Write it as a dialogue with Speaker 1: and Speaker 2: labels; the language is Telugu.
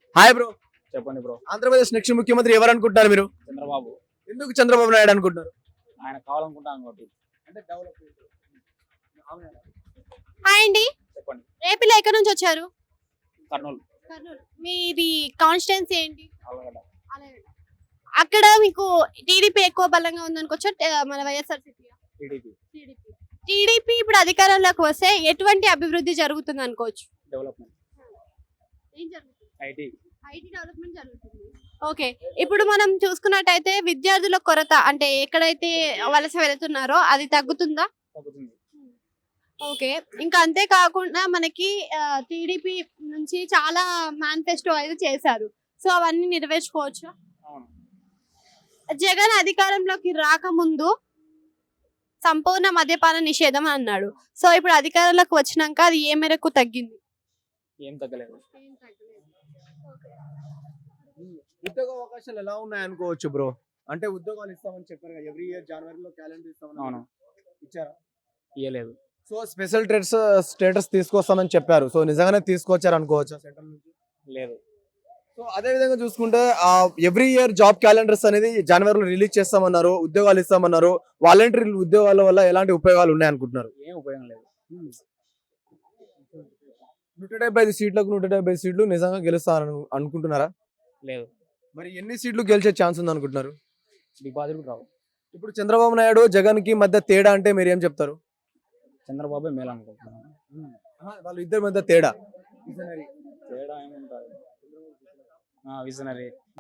Speaker 1: Hi bro.
Speaker 2: చెప్పండి బ్రో.
Speaker 1: ఆంధ్రప్రదేశ్ నెక్స్ట్ ముఖ్యమంత్రి ఎవరు అనుకుంటున్నారు మీరు?
Speaker 2: చంద్రబాబు.
Speaker 1: ఎందుకు చంద్రబాబు నాయుడు అనుకుంటున్నారు?
Speaker 2: ఆయన కావాలనుకుంటాను కాబట్టి.
Speaker 1: అంటే డెవలప్మెంట్.
Speaker 3: హాయ్ అండి.
Speaker 2: చెప్పండి.
Speaker 3: ఏపీలో ఎక్కడి నుంచి వచ్చారు?
Speaker 2: కర్నూలు.
Speaker 3: కర్నూలు. మీది కాన్స్టిట్యున్సీ ఏంటి?
Speaker 2: ఆలగడ్డ.
Speaker 3: అక్కడ మీకు టీడీపీ ఎక్కువ బలంగా ఉందనుకోవచ్చు, మన వైఎస్ఆర్సీపీ.
Speaker 2: టీడీపీ.
Speaker 3: టీడీపీ ఇప్పుడు అధికారంలోకి వస్తే ఎటువంటి అభివృద్ధి జరుగుతుంది అనుకోవచ్చు?
Speaker 2: డెవలప్మెంట్.
Speaker 3: ఏం జరుగుతుంది?
Speaker 2: ఐటీ.
Speaker 3: ఐటీ డెవలప్మెంట్ జరుగుతుంది. ఓకే, ఇప్పుడు మనం చూసుకున్నట్టయితే విద్యార్థుల కొరత అంటే ఎక్కడైతే వలస వెళుతున్నారో అది తగ్గుతుందా?
Speaker 2: తగ్గుతుంది.
Speaker 3: ఓకే, ఇంకా అంతేకాకుండా మనకి టీడీపీ నుంచి చాలా మేనిఫెస్టో అయితే చేశారు. సో అవన్నీ నెరవేర్చుకోవచ్చు.
Speaker 2: అవును.
Speaker 3: జగన్ అధికారంలోకి రాకముందు సంపూర్ణ మద్యపాన నిషేధం అన్నాడు. సో ఇప్పుడు అధికారంలోకి వచ్చినాక అది ఏ మేరకు తగ్గింది?
Speaker 2: ఏం తగ్గలేదు.
Speaker 1: ఉద్యోగ అవకాశాలు ఎలా ఉన్నాయి అనుకోవచ్చు బ్రో? అంటే ఉద్యోగాలు ఇస్తామని చెప్పారు కదా, ఎవ్రీ ఇయర్ జనవరిలో క్యాలెండర్ ఇస్తామని.
Speaker 2: అవును.
Speaker 1: ఇచ్చారా?
Speaker 2: ఇయ్యలేదు.
Speaker 1: సో స్పెషల్ స్టేటస్ తీసుకొస్తామని చెప్పారు. సో నిజంగానే తీసుకొచ్చారు అనుకోవచ్చా సెంట్రల్ నుంచి?
Speaker 2: లేదు.
Speaker 1: సో అదే విధంగా చూసుకుంటే ఎవ్రీ ఇయర్ జాబ్ క్యాలెండర్స్ అనేది జనవరిలో రిలీజ్ చేస్తామన్నారు, ఉద్యోగాలు ఇస్తామన్నారు. వాలంటీర్ ఉద్యోగాల వల్ల ఎలాంటి ఉపయోగాలు ఉన్నాయి అనుకుంటున్నారు?
Speaker 2: ఏం ఉపయోగం లేదు.
Speaker 1: 175 సీట్లకు 175 సీట్లు నిజంగా గెలుస్తారని అనుకుంటున్నారా?
Speaker 2: లేదు.
Speaker 1: మరి ఎన్ని సీట్లు గెలిచే ఛాన్స్ ఉంది అనుకుంటున్నారు?
Speaker 2: డిపాజిట్ రావు.
Speaker 1: ఇప్పుడు చంద్రబాబు నాయుడు జగన్ కి మధ్య తేడా అంటే మీరు ఏం చెప్తారు?
Speaker 2: చంద్రబాబే మేలు అనుకుంటున్నాను.
Speaker 1: వాళ్ళు ఇద్దరి మధ్య తేడా
Speaker 2: తేడా ఏముంటుంది? విజనరీ.